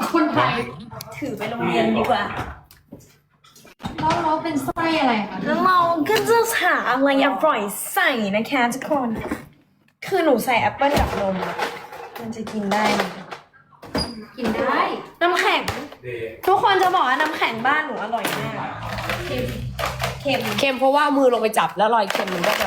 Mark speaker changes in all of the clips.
Speaker 1: คนไทย
Speaker 2: ถือไปโรงเรียนดีกว่า
Speaker 1: เราเป็นไส้อะไรคะ
Speaker 2: แล้วเราก็จะหาอะไรอร่อยใส่นะคะทุกคน คือหนูใส่แอปเปิ้ลกับนมมันจะกินได้ไหม
Speaker 1: กินได้
Speaker 2: น้ำแข็ง ทุกคนจะบอกว่าน้ำแข็งบ้านหนูอร่อยมาก
Speaker 1: เค็ม
Speaker 2: เค็ม
Speaker 3: เค็มเพราะว่ามือลงไปจับแล้วรอยเค็มมันก็จะ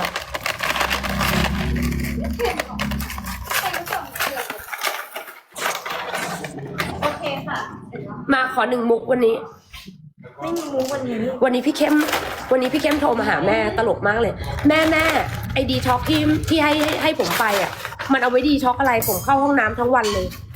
Speaker 2: โอเคค่ะ
Speaker 3: มาขอ1 มุกวันนี้
Speaker 2: ไม่มีมุ้งวันนี้
Speaker 3: วันนี้พี่เข้มโทรมาหาแม่ตลกมากเลย แม่ไอดีท็อกที่ให้ผมไปอ่ะ มันเอาไว้ดีท็อกอะไรผมเข้าห้องน้ำทั้งวันเลย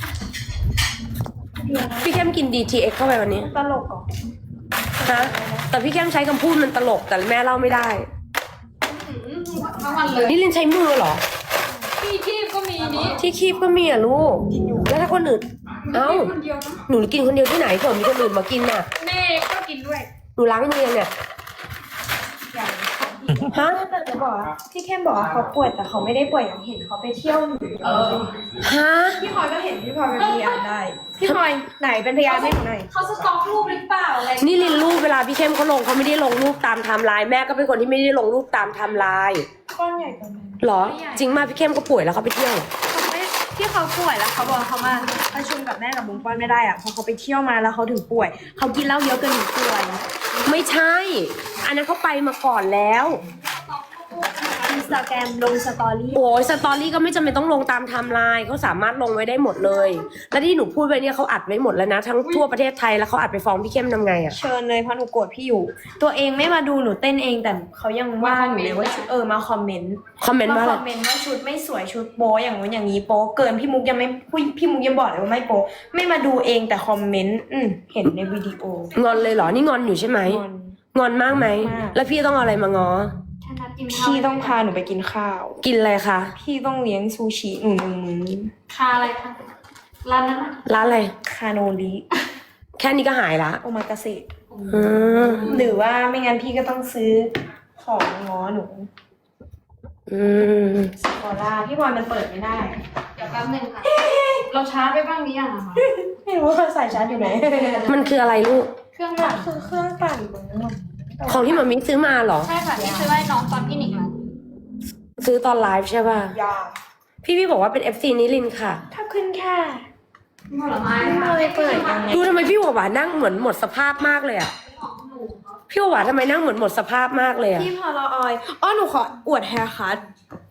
Speaker 3: พี่เข้มกิน DTX เข้าไปวันนี้
Speaker 2: ตลกเหรอ
Speaker 3: นะแต่พี่เข้มใช้คำพูดมันตลกแต่แม่เล่าไม่ได้
Speaker 1: ทั้งวันเลย
Speaker 3: นี่ลินใช้มือเหรอ
Speaker 1: พี่คีบก็มีนี้
Speaker 3: ที่คีบก็มีอ่ะลูกแล้วถ้าคนอื่นเอ้า
Speaker 1: คนเดียวนะ
Speaker 3: หนูกินคนเดียวที่ไหนเผื่อมีคนอื่นมากินน่ะ
Speaker 1: แม่ก็กินด้วย
Speaker 3: หนูล้างมือยังเนี่ยฮะ
Speaker 2: แต่จะบอกว่าพี่เข้มบอกว่าเขาป่วยแต่เขาไม่ได้ป่วยอย่างเห็นเขาไปเที่ยว
Speaker 3: ฮะ
Speaker 2: พี่พลอยก็เห็นพี่พลอยเป็นพยานได้ พี่พลอยไหนเป็นพยานให้หนูหน่อย
Speaker 1: เขาสต็อกรูปหรือเปล่าอะไร
Speaker 3: นี่ลินรูปเวลาพี่เข้มเขาลงเขาไม่ได้ลงรูปตามไทม์ไลน์แม่ก็เป็นคนที่ไม่ได้ลงรูปตามไทม์ไลน์
Speaker 2: ก้อนใหญ่กว่านั้น
Speaker 3: หรอ จริงมากพี่เข้มก็ป่วยแล้วเขาไปเที่ยว
Speaker 2: เขาไม่ที่เขาป่วยแล้วเขาบอกเขามาประชุมกับแม่กับบุ้งป้อนไม่ได้อะเพราะเขาไปเที่ยวมาแล้วเขาถึงป่วยเขากินเหล้าเยอะเกินถึงป่วย
Speaker 3: ไม่ใช่ อันนั้นเขาไปมาก่อนแล้ว
Speaker 2: อินสตาแกรมลงสตอรี่
Speaker 3: โอ้ยสตอรี่ก็ไม่จำเป็นต้องลงตามไทม์ไลน์เขาสามารถลงไว้ได้หมดเลย แล้วที่หนูพูดไปเนี่ยเขาอัดไว้หมดแล้วนะทั้งทั่วประเทศไทยแล้วเขาอัดไปฟ้องพี่เข้มทำไงอะ
Speaker 2: เชิญเลยเพราะหนูโกรธพี่อยู่ ตัวเองไม่มาดูหนูเต้นเองแต่เขายังว่าหนูเลยว่ามาคอมเมนต์
Speaker 3: คอมเมนต์
Speaker 2: มา
Speaker 3: ว่า
Speaker 2: ค
Speaker 3: อะไร
Speaker 2: อมเมนต์ว่าชุดไม่สวยชุดโป๊อย่างนู้นอย่างนี้โป๊เกินพี่มุกยังไม่พี่มุกยังบอกเลยว่าไม่โป๊ไม่มาดูเองแต่คอมเมนต์เห็นในวิดีโอง
Speaker 3: อนเลยเหรอนี่งอนอยู่ใช่ไหม
Speaker 2: งอน
Speaker 3: งอนมากไหม
Speaker 2: มาก
Speaker 3: แล้วพี่ต้องเอาอะไรมางอ
Speaker 1: ฉันนัดกินข้าว
Speaker 2: พี่ต้องพาหนูไปกินข้าว
Speaker 3: กินอะไรคะ
Speaker 2: พี่ต้องเลี้ยงซูชิหนู1 มื้อ
Speaker 1: คาอะไรคะร้านนั้นอะ
Speaker 3: ร้านอะไร
Speaker 2: คาโนริ
Speaker 3: แค่นี้ก็หายละ
Speaker 2: โอมากาเสะ
Speaker 3: อืม
Speaker 2: หรือว่าไม่งั้นพี่ก็ต้องซื้อของง้อหนู
Speaker 3: อืม
Speaker 2: สกอร่าพี่บอยมันเปิดไม่ได้
Speaker 1: เดี๋ยวแป๊บนึงค่ะ เราช้าไปบ้างหรือยังอะคะ
Speaker 2: ไม่รู้ว่าสายชาร์จอยู่ไหน
Speaker 3: มันคืออะไรลูก
Speaker 1: เครื่องปั่น
Speaker 2: คือเครื่องปั่นมึง
Speaker 3: ของที่มามิซื้อมาเหรอ
Speaker 1: ใช่ค่ะที่ซื้อให้น้องตอนพี่หนิงมา
Speaker 3: ซื้อตอนไลฟ์ใช่ป่ะ
Speaker 2: ยา
Speaker 3: พี่บอกว่าเป็น FC นิลินค่ะ
Speaker 2: ถ้าขึ้นค่ะ
Speaker 1: ผลไม้
Speaker 2: ไม่เลยเปิดยังไง
Speaker 3: ดูทำไมพี่หัวหวานนั่งเหมือนหมดสภาพมากเลยอะพี่หัวหวานทำไมนั่งเหมือนหมดสภาพมากเลยอะ
Speaker 2: พี่พอลออยอ๋อหนูขออวดแฮร์คัท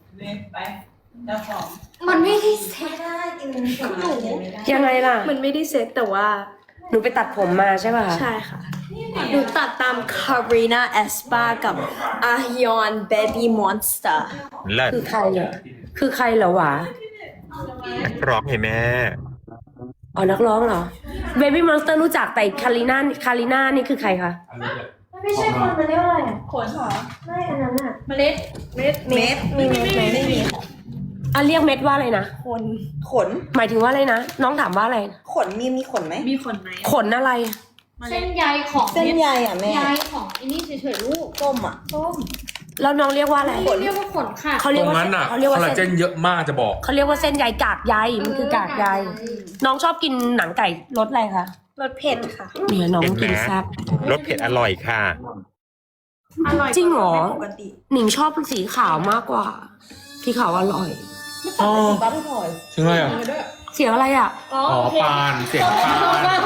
Speaker 1: มันไม่ได้เซ็ต
Speaker 2: ได้กินของหนู
Speaker 3: ยังไงล่ะ
Speaker 2: มันไม่ได้เซ็ตแต่ว่า
Speaker 3: หนูไปตัดผมมาใช่ป่ะ
Speaker 2: ใช่ค่ะหนูตัดตามคารีนาเอสปากับอาฮยอนเบบี้มอนสเตอร์
Speaker 4: เลิศ
Speaker 3: คือใครอะคือใครเหรอวะ
Speaker 4: ร้องให้แม่
Speaker 3: อ๋อนักร้องเหรอ Baby Monster รู้จักแต่คาริน่านี่คือใครคะ
Speaker 2: ไม่ใช่คนมันเรียกว่าอะไรอ่ะขนเหรอไม่อันนั้นอ่ะเมล็ดมีเม็ดไหมไม่มี
Speaker 3: อ่ะเรียกเม็ดว่าอะไรนะ
Speaker 2: คน
Speaker 5: ขน
Speaker 3: หมายถึงว่าอะไรนะ น้องถามว่าอะไร
Speaker 5: ขนมีขนไหม
Speaker 2: มีขนไหม
Speaker 3: ขนอะไร
Speaker 1: เส้นใยของ
Speaker 5: เส้นใยอ่ะแม่
Speaker 1: ใยของอันนี้เฉยๆลูก
Speaker 5: ส้มอ่ะ
Speaker 3: แล้วน้องเรียกว่าอะไร
Speaker 1: เรียกว่าขนค่ะ
Speaker 3: เขา
Speaker 6: ต
Speaker 3: เรียก
Speaker 6: รง
Speaker 3: ว่า
Speaker 6: นั้นอ่ะ
Speaker 3: เขาเรียก
Speaker 6: ค
Speaker 3: ว่า
Speaker 6: อลลาเจ
Speaker 3: เส้น
Speaker 6: นเยอะมากจะบอก
Speaker 3: เขาเรียกว่าเส้นใยกากใยมันคือกากใยน้องชอบกินหนังไก่รสอะไรคะ
Speaker 2: รสเผ็ดค่ะ
Speaker 3: เนี่ยน้องกิน
Speaker 4: เห็นไหม
Speaker 3: แซ่บ
Speaker 4: รสเผ็ดอร่อยค่ะ
Speaker 2: อร่อย
Speaker 3: จริงเหรอ
Speaker 2: ไม่ปกติ
Speaker 3: หนิงชอบสีขาวมากกว่าสีขาวอร่อย
Speaker 6: อ๋อ
Speaker 5: ป้าพี่พลอย
Speaker 6: ถึงอะไรอ่ะ
Speaker 3: เสียงอะไรอ่ะ
Speaker 6: อ๋อ ปาน เสียงปาน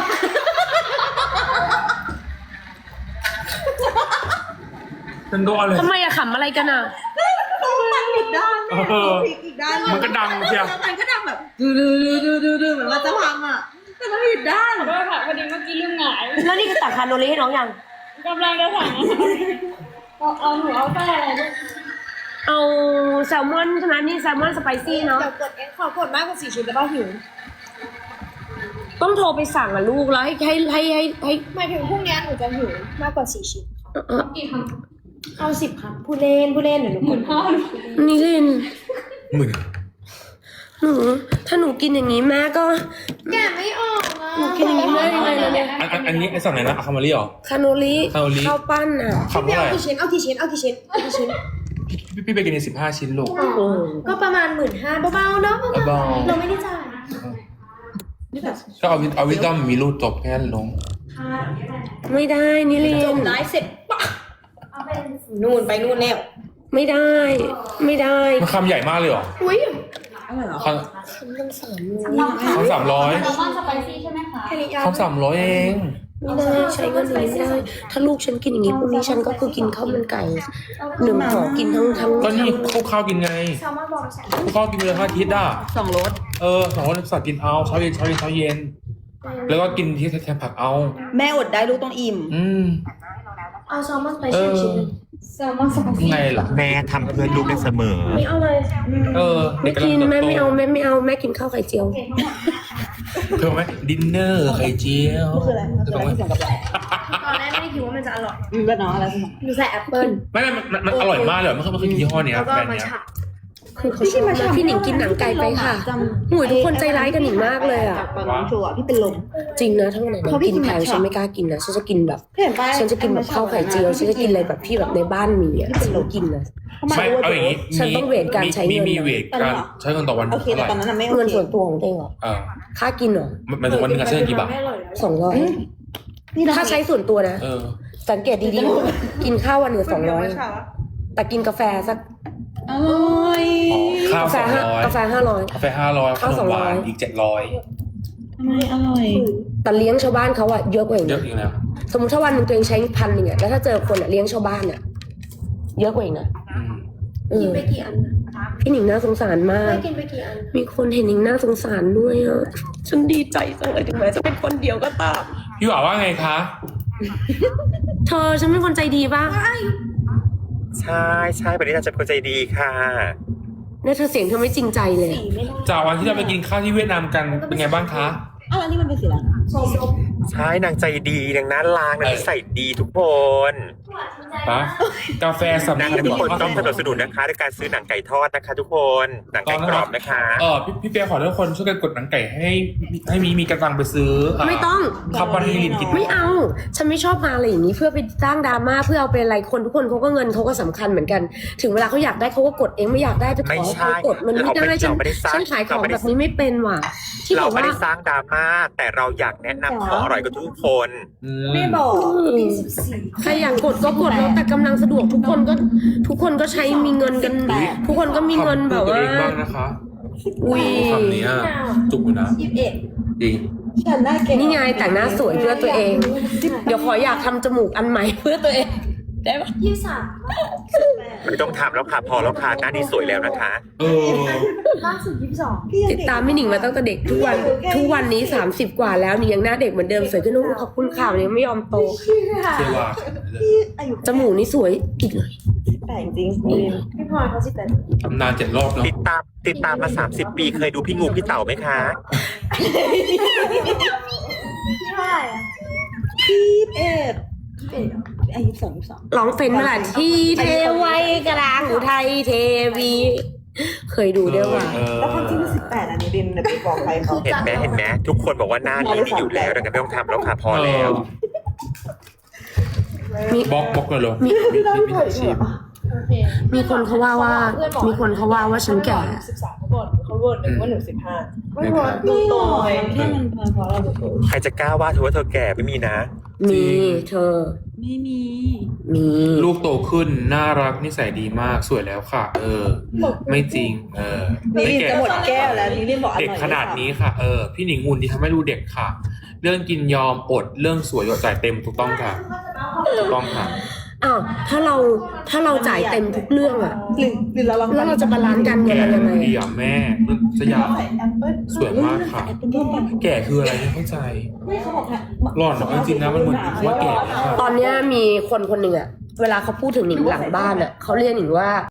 Speaker 6: นั่นก็อะไร
Speaker 3: ทำไมอะขำอะไรกันอะ
Speaker 5: อีกด้าน
Speaker 6: เออ
Speaker 5: อีกด้าน
Speaker 6: มันก็ดังเชียว
Speaker 5: แล้วมันก็ดังแบบดูเหมือนมันจะพังอ่ะแต่มันผิดด้าน
Speaker 1: ด้วยค่ะพอดีเมื่อกี้ลืมหงาย
Speaker 3: แล้วนี่คือตักคาโนริให้น้องยัง
Speaker 1: กำลังจะสั่งเอาหนูเอาไส้อะไรด้วย
Speaker 3: เอาแซลมอนใช่ไหมนี่แซลมอนสไปซี่เนาะ
Speaker 2: เดี๋ยวกดเองขอกดมากกว่า4 ชิ้นแล้วก็หิว
Speaker 3: ต้องโทรไปสั่งอะลูกแล้วให้
Speaker 2: หมายถึงพรุ่งนี้หนูจะหิวมากกว่า4 ชิ้น
Speaker 1: กี่ค
Speaker 2: เอา10 ครับพูดเล่นเดี๋ยวหนูกด
Speaker 3: นิลิน
Speaker 6: หมื่น
Speaker 3: หนูถ้าหนูกินอย่างนี้แม่ก็
Speaker 2: แกะไม่ออกอ่ะ
Speaker 3: หนูกินอย่างนี้ไม่ได้ยังไงเลยเนี่ย
Speaker 6: อันนี้ไอ้สั่งไหนนะอะคามารีเหรอ
Speaker 3: คาโนริ
Speaker 6: คาโนริ
Speaker 3: ข้าวปั้นอะ
Speaker 6: คำเท่าไหร่
Speaker 2: เอากี่ชิ้น
Speaker 6: พี่ไปกินใน15 ชิ้นลูก
Speaker 3: อืม
Speaker 2: ก็ประมาณ15,000เบาๆเนาะ
Speaker 6: เบาๆ
Speaker 2: เราไม่ได้จ่าย
Speaker 6: ก็เอาวิตอมมีรูดจบแค่นั้นลง
Speaker 3: ไม่ได้นิลิ
Speaker 2: จบ
Speaker 3: น
Speaker 2: ไลฟ์เสร็จปะนู่นไปนู่นแล้ว
Speaker 3: ไม่ได้ ไม่ได้
Speaker 6: มันคำใหญ่มากเลยเหรอ
Speaker 2: อุ้ย
Speaker 6: คำ300
Speaker 1: แซลมอนสไปซี่ใช่ไหมคะ
Speaker 2: แค่นี้ยา
Speaker 6: คำ300เอง
Speaker 3: ไม่ได้ใช้เงินอย่างนี้ไม่ได้ ถ้าลูกฉันกินอย่างนี้พรุ่งนี้ฉันก็คือกินข้าวมันไก่1 ห่อกินทั้ง
Speaker 6: ก็นี่คู่ข้าวกินไง
Speaker 2: แซลมอนบอลแซล
Speaker 6: คู่ข้าวกินไปเลย5 อาทิตย์อ่ะ
Speaker 5: 2 รส
Speaker 6: 2 วันสัตว์กินเอาเช้าเย็นเช้าเย็นเช้าเย็น แล้วก็กินที่แทนผักเอา
Speaker 5: แม่อดได้ลูกต้องอิ่ม
Speaker 2: เอาแซลมอนไปเชื่อมชิ้น
Speaker 1: แซลมอนสไปซี่
Speaker 6: ไงล่ะ
Speaker 4: แม่ทำเพื่อนลูกได้เสมอ
Speaker 2: ไม่เอาเลย
Speaker 3: ไม่กินแม่ไม่เอาแม่ไม่เอาแม่กินข้าวไข่เจียว
Speaker 6: เพิ่มไหมดินเนอร์ไข่เจียว
Speaker 5: คืออะไรมันคืออะไรที่ผสมกับอะไร
Speaker 2: ตอนแรกไม่ได้คิดว่ามันจะอร่อย
Speaker 5: แบบน้องอะไรผสม
Speaker 2: หนูใส่แอปเปิ้ล
Speaker 6: ไม่มันอร่อยมากเลยไม่เคยกินยี่ห้อเนี้ย
Speaker 2: แล้วก็
Speaker 6: แบรนด์
Speaker 2: มา
Speaker 6: เนี้ย
Speaker 2: ฉะ
Speaker 3: คือเขาชอบนะพี่หนิงกินหนังไก่ไปค่ะหุยทุกคนใจร้ายกับหนิงมากเลยอ่ะ
Speaker 5: ตอนน้องชัวร์พี่เป็นลม
Speaker 3: จริงนะถ้าวันไหนน้องกินแพงฉันไม่กล้ากินนะฉันจะกินแบบ
Speaker 5: เห็นป่ะ
Speaker 3: ฉันจะกินแบบข้าวไข่เจียวฉันจะกินอะไรแบบที่แบบในบ้านมีอ่ะฉันไม่กินนะ
Speaker 6: ไม่เอาอย่างนี้
Speaker 3: ฉันต้องเวทการใช้เงิน
Speaker 6: มีเวทการใช้เงินต่อวัน
Speaker 5: โอเค
Speaker 6: เท่าไห
Speaker 5: แต่
Speaker 6: ร่
Speaker 5: ตอนนั้นน่ะไม่โอ
Speaker 3: เงิน
Speaker 5: เค
Speaker 3: ส่วนตัวของตัวเองเหรอ ค่ากินเหรอ
Speaker 6: มันถึงวันหนึงอะใช้เงินกี่บาท
Speaker 3: 200ถ้าใช้ส่วนตัวนะ สังเกตดีๆกินข้าววันหนึ่ง200แต่กินกาแฟสัก
Speaker 5: อร่อย
Speaker 6: ข้าว
Speaker 3: กาแฟ
Speaker 6: 200
Speaker 3: 500
Speaker 6: กาแฟ500ขนมหวานอีก700
Speaker 5: ทำไมอร่อย
Speaker 3: แต่เลี้ยงชาวบ้านเขาอะเยอะกว่าอีก
Speaker 6: เย
Speaker 3: นะ
Speaker 6: อะอีกแล้ว
Speaker 3: สมมติถ้าวันหนึ่งตัวเองใช้1,000อะแล้วถ้าเจอคนอะเลี้ยงชาวบ้านอะเยอะกว่าอีกนะ
Speaker 2: กินไปกี่อัน
Speaker 3: พี่หนิงน่าสงสารมาก
Speaker 2: ไม่กินไปกี่อัน
Speaker 3: มีคนเห็นหนิงน่าสงสารด้วยอะฉันดีใจจังเลยถึงแม้จะเป็นคนเดียวก็ตาม
Speaker 6: พี่หว่าว่าไงคะ
Speaker 3: เธอฉันเป็นคนใจดีป่ะ
Speaker 4: ใช่วันนี้เราจะเป็นคนใจดีค่ะ
Speaker 3: เนี่ยเธอเสียงเธอไม่จริงใจเลย
Speaker 6: จากวันที่เราไปกินข้าวที่เวียดนามกันเป็นไงบ้างคะ
Speaker 5: อ้าวแล้วนี่มันเป็นสีอะไร
Speaker 4: ใช่นางใจดีนางน่ารักนางนิสัยดีทุกคน
Speaker 6: ปะกาแฟสำ
Speaker 4: นางและทุกคนต้องสนับสนุนนะคะด้วยการซื้อหนังไก่ทอดนะคะ ทุกคนหนังไก่กรอบนะคะ
Speaker 6: พี่เปียขอทุกคนช่วยกันกดหนังไก่ให้มีกระตังไปซื้อ
Speaker 3: ไม่ต้อง
Speaker 6: ข้าวปั้นให้ลินกิน
Speaker 3: ไม่เอา ฉันไม่ชอบมาอะไรอย่างนี้เพื่อไปสร้างดราม่าเพื่อเอาไปอะไรคนทุกคนเขาก็เงินเขาก็สำคัญเหมือนกัน ถึงเวลาเขาอยากได้เขาก็กดเองไม่อยากได้ไปขอเขากดมันไม่ได้ฉันขายของแบบนี้ไม่เป็นว่ะที่บ
Speaker 4: เรา
Speaker 3: อก
Speaker 4: ไม่
Speaker 3: ว่า
Speaker 4: ได้สร้างดราม่าแต่เราอยากแนะนำของอร่อยกับทุกคน
Speaker 5: ไม่บอก
Speaker 3: ใครอยากกดก็กดแล้วแต่กำลังสะดวกทุกคนก็ใช้มีเงินกันทุกคนก็มีเงินแบบว่า
Speaker 6: ตัวเองบ้างนะคะ
Speaker 3: อุ้ย
Speaker 6: คำนี้จุกอยู่นะจริง
Speaker 5: ฉันได้เก่ง
Speaker 3: นี่ไงแต่งหน้าสวยเพื่อตัวเอง เดี๋ยวขออยากทำจมูกอันใหม่เพื่อตัวเองได้ปะ
Speaker 2: 23
Speaker 4: ไม่ต้องทำแล้วค่ะพอแล้วค่ะหน้านี้สวยแล้วนะคะ
Speaker 2: ล่าสุด22
Speaker 3: ติดตามไม่หนิงมาตั้งแต่เด็กทุกวันนี้30 กว่าแล้วนี่ยังหน้าเด็กเหมือนเดิมสวยขึ้นขอบคุณข่าวนี้ไม่ยอมโต
Speaker 6: เชื่อว่า
Speaker 3: จมูกนี่สวยอีกเลย
Speaker 5: แต่จริง
Speaker 2: พี่พลอยเขา18
Speaker 6: ตำนาน7 รอบเนาะ
Speaker 4: ติดตามมา30 ปีเคยดูพี่งูพี่เต่าไหมคะ
Speaker 2: พี่เท่าไหร่อะ
Speaker 5: อายุ22
Speaker 3: ร้องเฟ้นเมื่อไหร่ที่เทไว้กลางอุทัยเทวี เคยดูด้วยว่ะ
Speaker 5: แล้วความจริงมัน18อันนี้ดินไปบอกใครเขา
Speaker 4: เห็นไหมทุกคนบอกว่าหน้านี้ดีอยู่แล้วดังนั้นไม่ต้องทำแล้วค่ะพอแล้ว
Speaker 6: บล็อกเลยเหรอ
Speaker 5: ไม่ถ่ายชีพ
Speaker 1: โอเค
Speaker 3: มีคนเขาว่าฉันแก่
Speaker 1: 13เขาบ่นเขาบ่นว่าหนู15
Speaker 5: ไม่บอกไม่หรอกแค่มันเพราะเราโต
Speaker 4: ใครจะกล้าว่าเธอว่าเธอแก่ไม่มีนะ
Speaker 3: มีเธอ
Speaker 5: ไม่มี
Speaker 3: มี
Speaker 6: ลูกโตขึ้นน่ารักนิสัยดีมากสวยแล้วค่ะ ไม่จริง
Speaker 5: นี่ลิน
Speaker 6: ไม่แก่
Speaker 5: จะหมดแก้วแล้วนี่ลินบอกอร่อย
Speaker 6: เด็กขนาดนี้ค่ะพี่หนิงหุ่นที่ทำให้ดูเด็กค่ะ เรื่องกินยอมอดเรื่องสวยยอดจ่ายเต็มถูกต้องค่ะถูกต้องค่ะ
Speaker 3: อ้าวถ้าเราจ่ายเต็มทุกเรื่องอะ
Speaker 5: ลินเราลอง
Speaker 3: แล้วเราจะบาลานซ์การเงิน
Speaker 6: แก่
Speaker 3: เรายังไง
Speaker 6: ดีอ่ะแม่สยามสวยมากค่ะ แก่คืออะไรไม่เข้าใจ
Speaker 5: ไม่เขาบอก
Speaker 6: หล่อนจริงๆนะมันเหมือนว่าแก่ค่ะ
Speaker 3: ตอนเนี้ยมีคนหนึ่งอะเวลาเขาพูดถึงหนิงหลังบ้านอะเขาเรียกหนิงว่า